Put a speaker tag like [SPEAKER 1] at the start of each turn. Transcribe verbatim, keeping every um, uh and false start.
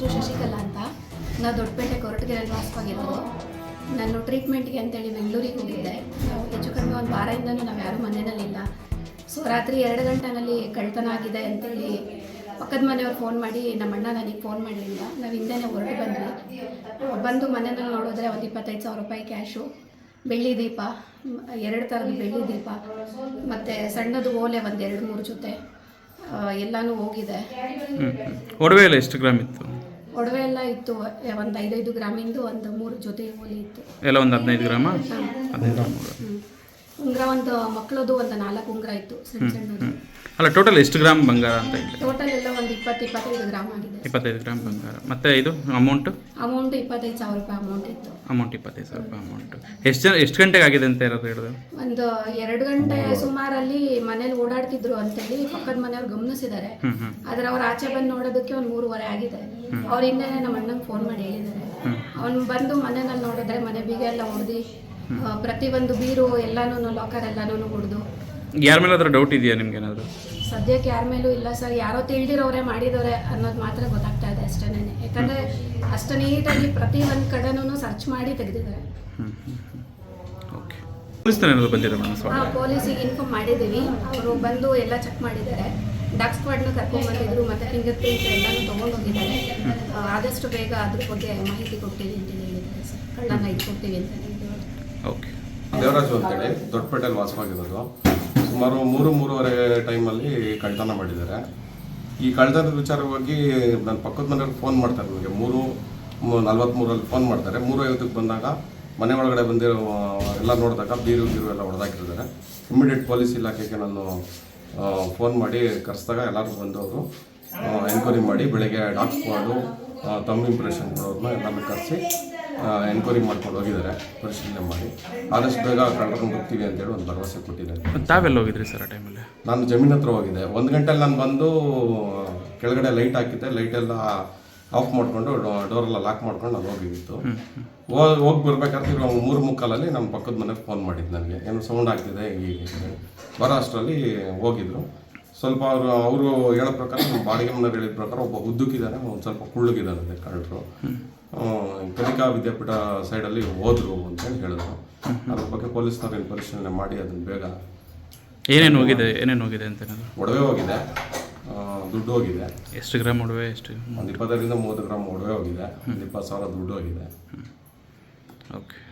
[SPEAKER 1] ಹೆಸರು ಶಶಿಕಲಾ ಅಂತ. ನಾವು ದೊಡ್ಡಪೇಟೆ ಕೊರಟಗೆರೆಯಲ್ಲಿ ವಾಸವಾಗಿರೋದು. ನಾನು ಟ್ರೀಟ್ಮೆಂಟ್ಗೆ ಅಂತೇಳಿ ಬೆಂಗಳೂರಿಗೆ ಹೋಗಿದ್ದೆ. ನಾವು ಹೆಚ್ಚು ಕಡಿಮೆ ಒಂದು ವಾರದಿಂದನೂ ನಾವು ಯಾರೂ ಮನೆಯಲ್ಲಿಲ್ಲ. ಸೊ ರಾತ್ರಿ ಎರಡು ಗಂಟೆನಲ್ಲಿ ಕಳ್ತನ ಆಗಿದೆ ಅಂತೇಳಿ ಪಕ್ಕದ ಮನೆಯವ್ರು ಫೋನ್ ಮಾಡಿ ನಮ್ಮ ಅಣ್ಣ ನನಗೆ ಫೋನ್ ಮಾಡಿಲ್ಲ. ನಾವು ಹಿಂದೆನೇ ಹೊರಟು ಬಂದ್ವಿ. ಬಂದು ಮನೆಯಲ್ಲಿ ನೋಡಿದ್ರೆ ಒಂದು ಇಪ್ಪತ್ತೈದು ಸಾವಿರ ರೂಪಾಯಿ ಕ್ಯಾಶು, ಬೆಳ್ಳಿ ದೀಪ, ಎರಡು ಥರದ ಬೆಳ್ಳಿ ದೀಪ ಮತ್ತು ಸಣ್ಣದು ಓಲೆ ಒಂದು ಎರಡು ಮೂರು ಜೊತೆ ಎಲ್ಲನೂ ಹೋಗಿದೆ.
[SPEAKER 2] ಒಡವೆ ಎಲ್ಲ ಎಷ್ಟು ಗ್ರಾಮ್ ಇತ್ತು?
[SPEAKER 1] ಒಡವೆ ಎಲ್ಲ ಇತ್ತು ಒಂದು ಐದೈದು ಗ್ರಾಮಿಂದು ಒಂದು ಮೂರು ಜೊತೆ ಓಲೆ ಇತ್ತು.
[SPEAKER 2] ಎಲ್ಲ ಒಂದು ಹದಿನೈದು ಗ್ರಾಮ ಹದಿನೈದು ಗ್ರಾಮ್
[SPEAKER 1] ಉಂಗುರ ಒಂದು ಮಕ್ಕಳದು ಒಂದು ನಾಲ್ಕು ಉಂಗುರ ಇತ್ತು ಸಣ್ಣ ಸಣ್ಣದು.
[SPEAKER 2] ಅಲ್ಲ ಟೋಟಲ್ ಎಷ್ಟು ಗ್ರಾಮ್ ಬಂಗಾರ ಅಂತ ಹೇಳಿ?
[SPEAKER 1] ಟೋಟಲ್ ಎಲ್ಲ ಒಂದು ಇಪ್ಪತ್ತು ಇಪ್ಪತ್ತೈದು ಗ್ರಾಮ್ ಆಗಿದೆ.
[SPEAKER 2] ಇಪ್ಪತ್ತೈದು ಗ್ರಾಮ್ ಬಂಗಾರ. ಮತ್ತು ಇದು ಅಮೌಂಟು?
[SPEAKER 1] ಅಮೌಂಟ್ ಇಪ್ಪತ್ತೈದು ಸಾವಿರ ರೂಪಾಯಿ ಅಮೌಂಟ್ ಇತ್ತು.
[SPEAKER 2] ಅಮೌಂಟ್ ಇಪ್ಪತ್ತೈದು ಸಾವಿರ ರೂಪಾಯಿ ಅಮೌಂಟು. ಎಷ್ಟು ಜನ ಎಷ್ಟು ಗಂಟೆಗೆ ಆಗಿದೆ ಅಂತ ಯಾರಾದ್ರು ಹೇಳಿದ್ರು?
[SPEAKER 1] ಒಂದು ಎರಡು ಗಂಟೆ ಸುಮಾರಲ್ಲಿ ಮನೇಲಿ ಓಡಾಡ್ತಿದ್ರು ಅಂತೇಳಿ ಪಕ್ಕದ ಮನೆಯವ್ರು ಗಮನಿಸಿದ್ದಾರೆ. ಆದರೆ ಅವ್ರು ಆಚೆ ಬಂದು ನೋಡೋದಕ್ಕೆ ಒಂದು ಮೂರುವರೆ ಆಗಿದೆ. ಅವ್ರ ಹಿಂದೆನೇ ನಮ್ಮ ಅಣ್ಣಂಗೆ ಫೋನ್ ಮಾಡಿ ಹೇಳಿದ್ದಾರೆ. ಅವ್ನು ಬಂದು ಮನೆಯಲ್ಲಿ ನೋಡಿದ್ರೆ ಮನೆ ಬೀಗ ಎಲ್ಲ ಹೊಡೆದು ಪ್ರತಿಯೊಂದು ಬೀರು ಎಲ್ಲನೂ ಲಾಕರ್ ಎಲ್ಲನೂ ಹೊಡೆದು.
[SPEAKER 2] ಯಾರ ಮೇಲಾದ್ರೂ ಡೌಟ್ ಇದೆಯಾ ನಿಮ್ಗೆ ಏನಾದರೂ?
[SPEAKER 1] ಸದ್ಯಕ್ಕೆ ಯಾರ ಮೇಲೂ ಇಲ್ಲ ಸರ್. ಯಾರೋ ತಿಳಿದಿರೋರೆ ಮಾಡಿದವ್ರೆ ಅನ್ನೋದು ಮಾತ್ರ ಗೊತ್ತಾಗ್ತಾ ಇದೆ ಅಷ್ಟೇನೆ. ಯಾಕಂದರೆ ಅಷ್ಟು ನೀಟಾಗಿ ಪ್ರತಿ ಒಂದು ಕಡೆನೂ ಸರ್ಚ್ ಮಾಡಿ ತೆಗೆದಿದ್ದಾರೆ. ಹಾಂ, ಪೊಲೀಸಿಗೆ ಇನ್ಫಾರ್ಮ್ ಮಾಡಿದ್ದೀವಿ. ಅವರು ಬಂದು ಎಲ್ಲ ಚೆಕ್ ಮಾಡಿದ್ದಾರೆ. ಡಾಗ್ ಸ್ಕ್ವಾಡ್ನ ಕರ್ಕೊಂಡ್ಬಂದಿದ್ರು ಮತ್ತು ಫಿಂಗರ್ ಪ್ರಿಂಟ್ ಎಲ್ಲನೂ ತೊಗೊಂಡೋಗಿದ್ದಾರೆ. ಆದಷ್ಟು ಬೇಗ ಅದ್ರ ಬಗ್ಗೆ ಮಾಹಿತಿ ಕೊಡ್ತೀವಿ ಅಂತ ಹೇಳಿದ್ದಾರೆ ಸರ್. ಕಳ್ಳನ ಇದು ಕೊಡ್ತೀವಿ ಅಂತ ಹೇಳಿದ್ದಾರೆ.
[SPEAKER 2] ಓಕೆ.
[SPEAKER 3] ದೇವರಾಜು ಅಂತೇಳಿ ದೊಡ್ಡಪೇಟೆಯಲ್ಲಿ ವಾಸವಾಗಿರೋದು. ಸುಮಾರು ಮೂರು ಮೂರುವರೆ ಟೈಮಲ್ಲಿ ಕಳ್ತನ ಮಾಡಿದ್ದಾರೆ. ಈ ಕಳ್ತನದ ವಿಚಾರವಾಗಿ ನನ್ನ ಪಕ್ಕದ ಮನೆಯವ್ರಿಗೆ ಫೋನ್ ಮಾಡ್ತಾರೆ. ನನಗೆ ಮೂರು ನಲ್ವತ್ತ್ಮೂರಲ್ಲಿ ಫೋನ್ ಮಾಡ್ತಾರೆ. ಮೂರು ಐವತ್ತಕ್ಕೆ ಬಂದಾಗ ಮನೆ ಒಳಗಡೆ ಬಂದಿರೋ ಎಲ್ಲ ನೋಡಿದಾಗ ಬೀರು ಗೀರು ಎಲ್ಲ ಹೊಡೆದಾಕಿರ್ತಾರೆ. ಇಮಿಡಿಯೇಟ್ ಪೊಲೀಸ್ ಇಲಾಖೆಗೆ ನಾನು ಫೋನ್ ಮಾಡಿ ಕರೆಸಿದಾಗ ಎಲ್ಲರೂ ಬಂದವರು ಎನ್ಕ್ವೈರಿ ಮಾಡಿ ಬೆಳಗ್ಗೆ ಡಾಗ್ ಸ್ಕ್ವಾಡು ತಮ್ಮ ಇಂಪ್ರೆಷನ್ ಕೊಡೋರನ್ನ ಎಲ್ಲರೂ ಕರೆಸಿ ಎನ್ಕ್ವೈರಿ ಮಾಡ್ಕೊಂಡು ಹೋಗಿದ್ದಾರೆ. ಪರಿಶೀಲನೆ ಮಾಡಿ ಆದಷ್ಟು ಬೇಗ ಕಳ್ಕೊಂಡು ಹೋಗ್ತೀವಿ ಅಂತೇಳಿ ಒಂದು ಭರವಸೆ ಕೊಟ್ಟಿದ್ದಾರೆ.
[SPEAKER 2] ತಾವೆಲ್ಲ ಹೋಗಿದ್ರಿ ಸರ್ ಆ ಟೈಮಲ್ಲಿ?
[SPEAKER 3] ನಾನು ಜಮೀನ್ ಹತ್ರ ಹೋಗಿದ್ದೆ. ಒಂದು ಗಂಟೆಲಿ ನಾನು ಬಂದು ಕೆಳಗಡೆ ಲೈಟ್ ಹಾಕಿದ್ದೆ. ಲೈಟೆಲ್ಲ ಆಫ್ ಮಾಡಿಕೊಂಡು ಡೋರೆಲ್ಲ ಲಾಕ್ ಮಾಡ್ಕೊಂಡು ನಾನು ಹೋಗಿತ್ತು. ಹೋಗಿ ಹೋಗಿ ಬರ್ಬೇಕಾದ್ರೆ ಇವಾಗ ಮೂರು ಮುಕ್ಕಾಲಲ್ಲಿ ನಮ್ಮ ಪಕ್ಕದ ಮನೆಗೆ ಫೋನ್ ಮಾಡಿದ್ದು ನನಗೆ, ಏನು ಸೌಂಡ್ ಆಗ್ತಿದೆ ಹೀಗೆ ಬರೋ ಅಷ್ಟರಲ್ಲಿ ಹೋಗಿದ್ರು. ಸ್ವಲ್ಪ ಅವರು ಅವರು ಹೇಳೋ ಪ್ರಕಾರ ನಮ್ಮ ಬಾಡಿಗೆ ಮನೆಯವ್ರು ಹೇಳಿದ ಪ್ರಕಾರ ಒಬ್ಬ ಉದ್ದಕ್ಕಿದ್ದಾನೆ, ಒಂದು ಸ್ವಲ್ಪ ಕುಳ್ಳಗಿದ್ದಾನೆ ಕಳ್ಳರು. ಕಲಿಕಾ ವಿದ್ಯಾಪೀಠ ಸೈಡಲ್ಲಿ ಹೋದ್ರು ಅಂತೇಳಿ ಹೇಳಿದ್ರು. ಅದ್ರ ಬಗ್ಗೆ ಪೊಲೀಸ್ನವ್ರು ಏನು ಪರಿಶೀಲನೆ ಮಾಡಿ ಅದನ್ನು ಬೇಗ.
[SPEAKER 2] ಏನೇನು ಹೋಗಿದೆ ಏನೇನು ಹೋಗಿದೆ ಅಂತ?
[SPEAKER 3] ಒಡವೆ ಹೋಗಿದೆ, ದುಡ್ಡು ಹೋಗಿದೆ.
[SPEAKER 2] ಎಷ್ಟು ಗ್ರಾಮ್ ಒಡವೆ? ಎಷ್ಟು?
[SPEAKER 3] ಒಂದು ಇಪ್ಪತ್ತೈದರಿಂದ ಮೂವತ್ತು ಗ್ರಾಮ್ ಒಡವೆ ಹೋಗಿದೆ. ಒಂದು ಇಪ್ಪತ್ತು ಸಾವಿರ ದುಡ್ಡು ಹೋಗಿದೆ.
[SPEAKER 2] ಓಕೆ.